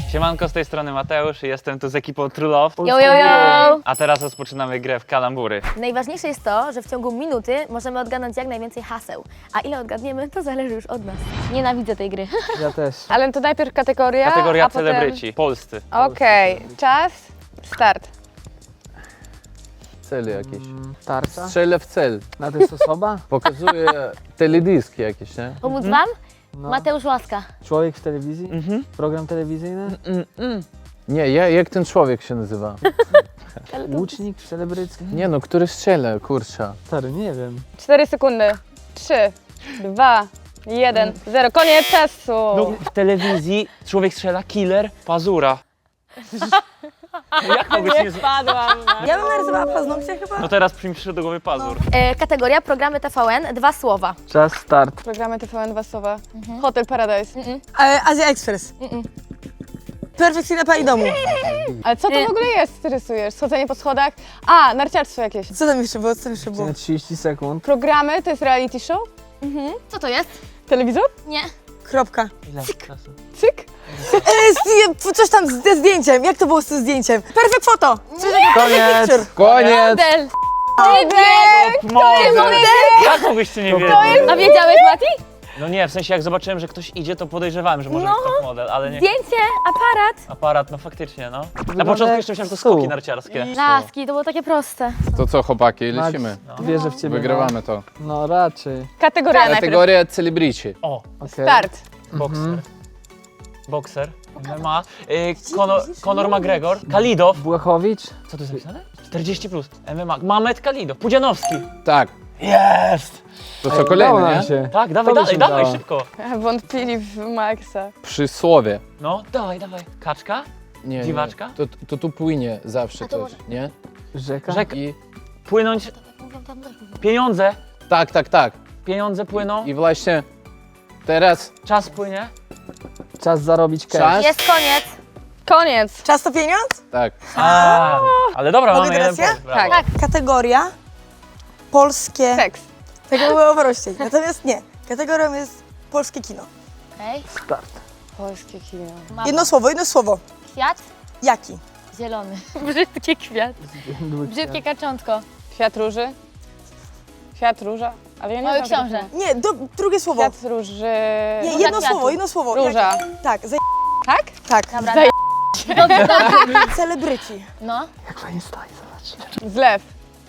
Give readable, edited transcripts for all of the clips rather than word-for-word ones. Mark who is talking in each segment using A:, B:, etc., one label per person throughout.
A: Siemanko, z tej strony Mateusz i jestem tu z ekipą True Love.
B: Yo, yo, yo!
A: A teraz rozpoczynamy grę w kalambury.
B: Najważniejsze jest to, że w ciągu minuty możemy odgadnąć jak najwięcej haseł. A ile odgadniemy, to zależy już od nas. Nienawidzę tej gry.
C: Ja też.
D: Ale to najpierw kategoria,
A: Kategoria
D: a potem...
A: celebryci, polscy.
D: Okej, czas, start.
E: Cel jakiś.
C: Tarcza?
E: Strzelę w cel.
C: Na to jest osoba?
E: Pokazuje teledyski jakieś, nie?
B: Pomóc wam?
C: No.
B: Mateusz Łaska.
C: Człowiek w telewizji? Program telewizyjny?
E: Nie, jak ten człowiek się nazywa?
C: Łucznik celebrycki?
E: Nie no, który strzela, kurczę.
C: Stary, nie wiem.
D: 4 sekundy. 3, 2, 1, 0. Koniec czasu.
A: No, w telewizji człowiek strzela, killer, pazura. Jak mogłeś nie
D: Spadłam.
F: Ja bym narysowała paznokcie chyba.
A: No teraz przyjmie do głowy pazur.
B: Kategoria programy TVN, 2 słowa.
C: Czas, start.
D: Programy TVN 2 słowa. Hotel Paradise.
F: Azja Express. Perfekcyjna pani domu.
D: Ale co to w ogóle jest, ty rysujesz? Schodzenie po schodach? A, narciarstwo jakieś.
F: Co tam jeszcze było? Co tam jeszcze było?
C: Na 30 sekund.
D: Programy to jest reality show?
B: Co to jest?
D: Telewizor?
B: Nie.
F: Kropka.
A: Ile czasu?
D: Cyk?
F: Coś tam ze zdjęciem. Jak to było z tym zdjęciem? Perfect photo. Coś takiego.
C: Koniec!
F: Picture.
E: Koniec!
B: Model.
A: Model! Jak mogłyście nie wiedzieć?
B: A wiedziałeś, Mati?
A: No nie, w sensie jak zobaczyłem, że ktoś idzie, to podejrzewałem, że może być top model, ale nie.
B: Zdjęcie, aparat.
A: Aparat, no faktycznie, no. Na
C: Wygląda
A: początku
C: jak
A: jeszcze myślałem, że to
C: stół.
A: skoki narciarskie.
B: Laski, to było takie proste.
E: To co, chłopaki,
C: Max,
E: lecimy.
C: Wierzę w ciebie.
E: Wygrywamy to.
C: No raczej.
D: Kategoria najpierw.
E: Kategoria celebryci.
A: O,
C: Okej.
D: Start.
A: bokser. Bokser. MMA. Conor McGregor. Kalidow.
C: Błachowicz?
A: Co tu jest napisane? 40 plus. MMA. Mamet Kalidow. Pudzianowski.
E: Tak.
A: Jest!
E: To co,
C: Udało
E: kolejny,
C: nam
E: nie?
C: się.
A: Tak, dawaj,
C: To by się
A: dawaj,
C: udało.
A: szybko.
D: Wątpili w Maxa.
E: Przysłowie.
A: No, dawaj. Kaczka?
E: Nie,
A: Dziwaczka?
E: nie. To tu płynie zawsze
B: to
E: coś, nie?
C: Rzeka?
A: Rzeka.
E: I
A: Płynąć. Pieniądze.
E: tak.
A: Pieniądze płyną.
E: I właśnie teraz
A: Czas płynie.
C: Czas zarobić cash.
E: czas.
B: Jest koniec.
D: Koniec.
F: Czas to pieniądz?
E: Tak.
A: Ale dobra,
F: Mogę
A: mamy jeden
F: teraz ja?
A: punkt. brawo.
D: Tak.
F: Kategoria polskie.
D: Seks.
F: Tak było prościej. Natomiast nie. Kategorią jest polskie kino.
B: Okej.
C: Start.
D: Polskie kino.
B: Mapa.
F: Jedno słowo.
B: Kwiat.
F: Jaki?
B: Zielony. Brzydki kwiat. Brzydkie kaczątko.
D: Kwiat róży. Kwiat róża. Ale ja nie
B: Mały
D: znam
B: książę.
D: tego.
F: Nie, drugie słowo.
D: Kwiat róży.
F: Nie,
B: Róża kwiatu.
F: jedno słowo.
D: Róża.
F: Jaki? Tak,
D: Tak?
F: tak.
B: Dobra.
D: Zaj-
F: Celebryci.
B: No.
C: Jak fajnie stoi, zobacz.
D: Zlew.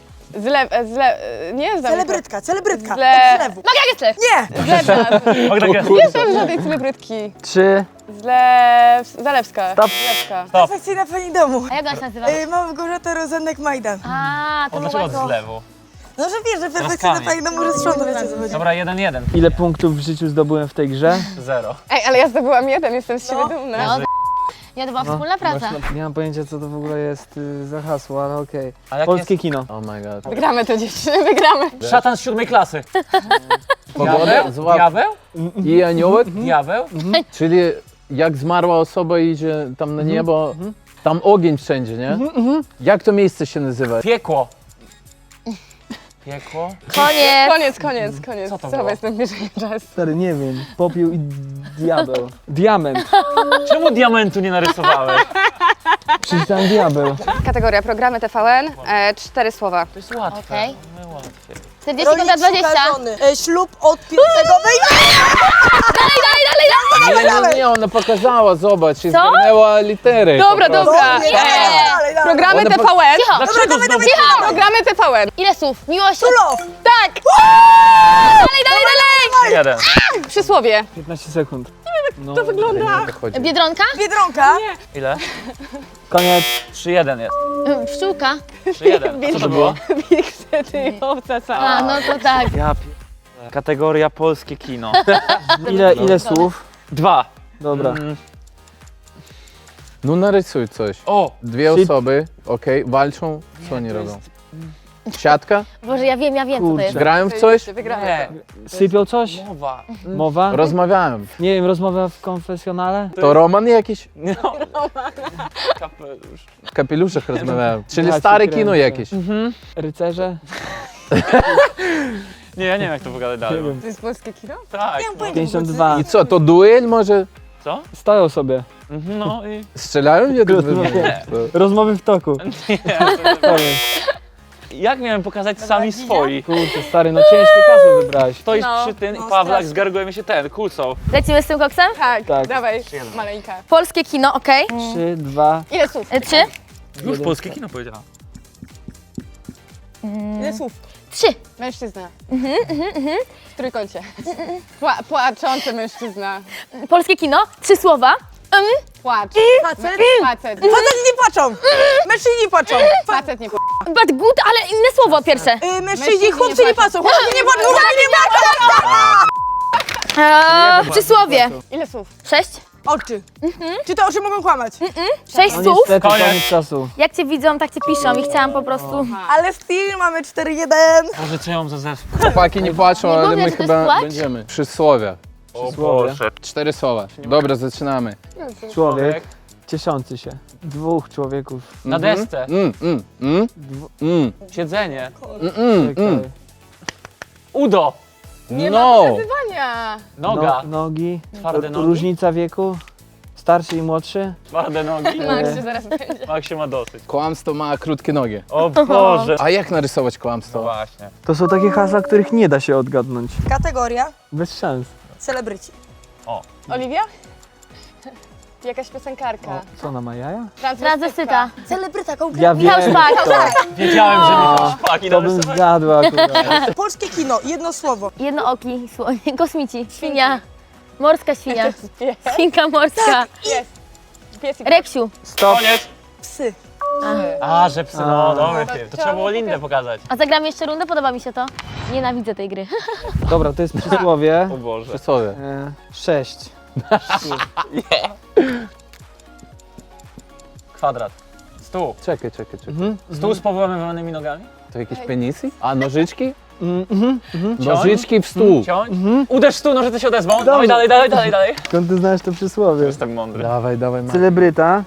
D: Nie znam.
F: Celebrytka.
D: Zlew.
F: Od zlewu.
B: Magia Gessler.
F: Nie!
A: Magda
D: Nie znam żadnej celebrytki.
C: 3.
D: Zalewska.
C: Stop.
D: Zalewska.
A: Stop.
F: Perfekcyjna pani domu.
B: A jak ona się nazywa?
F: Małgorzata Rozenek-Majdan.
B: A, to
A: O,
B: mogła
A: dlaczego
B: to...
A: od zlewu?
F: No, że wiesz, że perfekcyjna
A: Troskami.
F: pani domu, że sprząta, wiecie o co chodzi.
A: Dobra, 1-1.
C: Ile punktów w życiu zdobyłem w tej grze?
A: 0.
D: Ej, ale ja zdobyłam jeden, jestem z siebie dumna.
B: No, nie, to była wspólna praca.
C: Nie mam pojęcia, co to w ogóle jest za hasło, ale okej.
A: A jak
C: Polskie kino.
E: Oh my god.
D: Wygramy to dziewczyny, wygramy.
A: Szatan z 7 klasy.
E: Pogoda,
A: Diabeł?
E: złap.
A: Diabeł?
E: I aniołek?
A: Diabeł?
E: Czyli jak zmarła osoba idzie tam na niebo, tam ogień wszędzie, nie? Jak to miejsce się nazywa?
A: Piekło. Piekło?
D: Koniec.
A: Co to
D: Co
A: było?
D: jestem bliżej czas.
C: Stary, nie wiem. Popiół i diabeł. Diament.
A: Czemu diamentu nie narysowałeś?
C: Przeczytałem diabeł.
D: Kategoria programy TVN, 4 słowa.
A: To jest łatwe.
B: Okej.
A: No łatwiej.
B: 40
F: Rolik
B: kontra 20.
F: szuka żony. Ślub od pierwszego wejścia.
E: Nie, ona pokazała, zobacz, i zgarnęła litery.
D: Dobra,
E: po prostu.
D: dobra.
F: Nie, dalej.
D: Programy
E: One
D: TVN.
B: Cicho.
A: Dlaczego znowu?
D: Programy TVN.
B: Ile słów? Miłość.
F: Love.
D: Tak.
B: Dalej.
A: 1.
D: Przysłowie.
C: 15 sekund. No,
D: To wygląda.
E: Chodzi.
B: Biedronka.
F: Biedronka.
A: Ile?
C: Koniec.
A: 3-1 jest.
B: Pszczółka.
A: 3-1. Co to było?
D: Wilksety i owca cała.
B: A, no to tak.
A: Ja Kategoria polskie kino.
C: Ile słów?
A: 2.
C: Dobra.
E: No narysuj coś.
A: O!
E: Dwie osoby, okej, walczą, co oni robią? Siatka?
B: Boże, ja wiem, co to
C: Kurczę.
B: jest.
E: Grają w coś?
D: Wygramy
A: Nie.
D: to.
C: Sypią coś?
A: Mowa.
C: Mowa?
E: Rozmawiałem.
C: Nie wiem, rozmowa w konfesjonale?
E: To Roman jakiś?
A: No. Kapelusz.
E: W kapeluszach rozmawiałem. Czyli
C: Ja cię
E: stare
C: kręcę.
E: kino jakieś.
C: Rycerze?
A: Nie, ja nie wiem jak to wygląda dalej.
C: Nie wiem.
D: To jest polskie kino?
A: Tak.
F: Nie mam
A: No.
F: pojęcia.
C: 52.
E: I co, to duel może?
A: Co?
C: Stoją sobie.
A: No i...
E: Strzelają jeden w
C: Nie. Rozmowy w toku. Sorry.
A: Jak miałem pokazać sami swoi?
C: Kurczę, stary, no ciężkie hasło wybrałeś.
A: Stoisz
D: No.
A: przy tym
F: No,
A: i Pawlak
F: strasznie.
A: zgarguje się ten, kulcą.
B: Lecimy z tym koksem?
D: Tak,
C: Tak.
D: dawaj, maleńka.
B: Polskie kino, okej.
C: 3, 2,
D: Ile słów?
B: 3?
A: Już polskie kino powiedziała.
F: Ile słów?
B: 3.
D: Mężczyzna. W trójkącie. Płaczący mężczyzna.
B: Polskie kino, 3 słowa.
D: Płacz.
F: Facet?
D: Facet.
F: Facet nie płaczą. Mężczyźni nie płaczą.
D: Facet nie płacze.
B: But good, ale inne słowo pierwsze.
F: Mężczyźni, chłopcy nie płacą. Chłopcy nie płaczą. Chłopcy nie płaczą.
B: Przysłowie.
D: Ile słów?
B: 6.
F: Oczy. Czy te oczy mogą kłamać?
B: 6
C: no
B: słów.
C: niestety,
A: Koniec.
C: koniec czasu.
B: Jak cię widzą, tak cię piszą i chciałam po prostu...
F: Ale still mamy 4-1.
A: Boże, co ja mam za zespół?
E: Chłopaki nie płaczą,
B: Nie
E: ale
B: mówię,
E: my
B: że to jest
E: chyba
B: płacz?
E: będziemy. Przysłowie.
A: O
C: Przysłowie.
A: Boże.
E: 4 słowa. Dobra, zaczynamy.
C: Człowiek cieszący się. 2 człowieków.
A: Na desce. Siedzenie.
C: Czekaj.
A: Udo.
E: No!
D: Wania.
A: Noga.
C: Nogi.
A: Twarde nogi.
C: Różnica wieku. Starszy i młodszy.
A: Twarde nogi.
D: Max się zaraz będzie.
A: Mak się ma dosyć.
E: Kłamstwo ma krótkie nogi.
A: O Boże.
E: A jak narysować
A: No
E: kłamstwo?
A: właśnie.
C: To są takie hasła, których nie da się odgadnąć.
F: Kategoria
C: Bez szans.
F: celebryci.
D: Oliwia? Jakaś piosenkarka.
C: O, co ona ma jaja?
B: Transwestyta.
F: Celebryta konkretnie.
C: Ja wiem.
B: Michał Szpak.
A: Wiedziałem, że mi szpaki
C: To bym
A: narysować.
C: zgadła akurat.
F: Polskie kino, jedno słowo.
B: Jednooki, kosmici, świnia. Morska świnia.
D: Pies.
B: Świnka morska.
D: Pies i
B: Reksiu.
C: Stop.
A: Koniec.
F: Psy.
A: A, że psy, no dobry film. To trzeba było Lindę pokazać.
B: A zagramy jeszcze rundę? Podoba mi się to. Nienawidzę tej gry.
C: Dobra, to jest przysłowie.
A: O Boże.
E: Przysłowie.
C: 6.
A: Kwadrat. Stół.
E: Czekaj.
A: Stół z powyłamywanymi nogami?
E: To jakieś penisy? A nożyczki?
A: Ciąć?
E: Nożyczki w stół.
A: Ciąć? Uderz w stół, nożyce się odezwą. Dawaj dalej.
C: Skąd ty znasz to przysłowie?
A: Jestem mądry.
E: Dawaj, Marek.
C: Celebryta.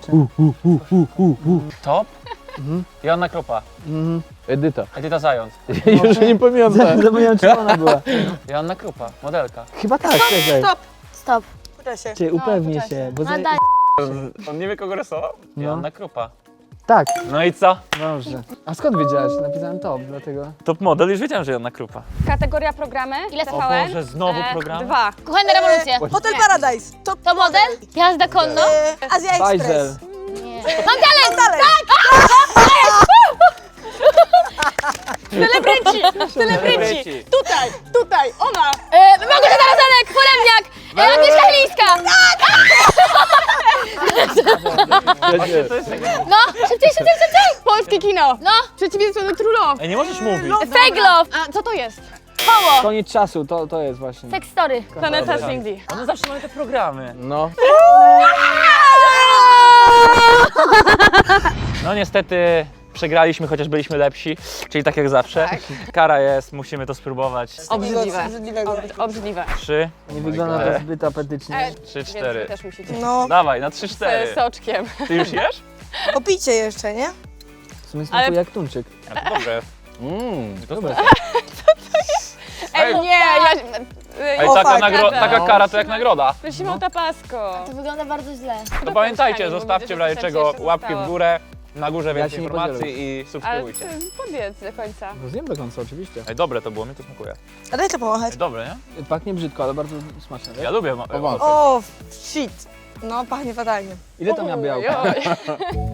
A: Top? Joanna Krupa.
E: Edyta.
A: Edyta Zając.
E: Już nie pamiętam.
C: Zapomniałem, czy ona była.
A: Joanna Krupa. Modelka.
C: Chyba tak, czekaj.
B: Stop.
F: Pyta się.
C: Cię upewnij
D: poczekaj.
C: się, bo...
B: Nadal.
A: On nie wie, kogo rysował? Joanna Krupa.
C: Tak,
A: No i co?
C: dobrze. A skąd wiedziałeś? Napisałem top, dlatego...
A: Top model, już wiedziałem, że Joanna Krupa.
D: Kategoria programy.
B: Ile
A: O Boże, znowu programy?
D: 2.
B: Kochane rewolucje.
F: Hotel Paradise.
B: To model? Jazda konno?
F: Azja Express.
B: Nie. Mam talent!
F: Dalej.
D: Celebryci. Tutaj, ona.
B: Małgorzata Rozenek, Foremniak, Agnieszka Chylińska.
A: Właśnie to jest takie...
B: No, szybciej.
D: Polskie kino.
B: No,
D: Przeciwieństwo do True Love.
A: Ej, nie możesz mówić.
B: Fake Love,
D: A co to jest?
B: Koło,
C: Koniec czasu, to jest właśnie.
B: Sex Story.
D: Planeta Cindy.
A: One zawsze mają te programy.
E: No.
A: No niestety przegraliśmy, chociaż byliśmy lepsi, czyli tak jak zawsze. Kara jest, musimy to spróbować.
D: Obrzydliwe.
F: Obrzydliwego.
D: Obrzydliwe.
A: 3,
C: Nie wygląda to zbyt apetycznie.
A: 3,
D: Więc
A: 4.
D: wy też musicie.
F: No,
A: Dawaj, na 3, 4.
D: Z soczkiem.
A: Ty już jesz?
F: popicie jeszcze, nie?
C: W sumie smakuje jak tuńczyk.
A: A to dobre. To
C: Dobra.
D: Ej, nie, ja...
A: Ej,
F: O,
A: taka,
F: fuck.
A: taka kara to jak nagroda.
D: Prosimy o tapasko.
B: To wygląda bardzo źle.
A: To pamiętajcie,
D: bo
A: zostawcie
D: widzę,
A: w
D: że
A: razie
D: coś
A: czego
D: jeszcze
A: łapki w
D: zostało.
A: górę. Na górze
C: Ja
A: więcej
C: się nie
A: informacji
C: podzielę.
A: i
D: Ale
A: subskrybujcie.
D: powiedz do końca.
C: No zjem do końca, oczywiście.
A: Ej, dobre to było, mi to smakuje.
F: A daj to pomachać.
A: Ej, dobre, nie?
C: Pachnie brzydko, ale bardzo smaczne.
A: Ja lubię
E: Powątpię.
F: O, shit. No, pachnie fatalnie.
C: Ile to miał białka?
D: Oj, oj.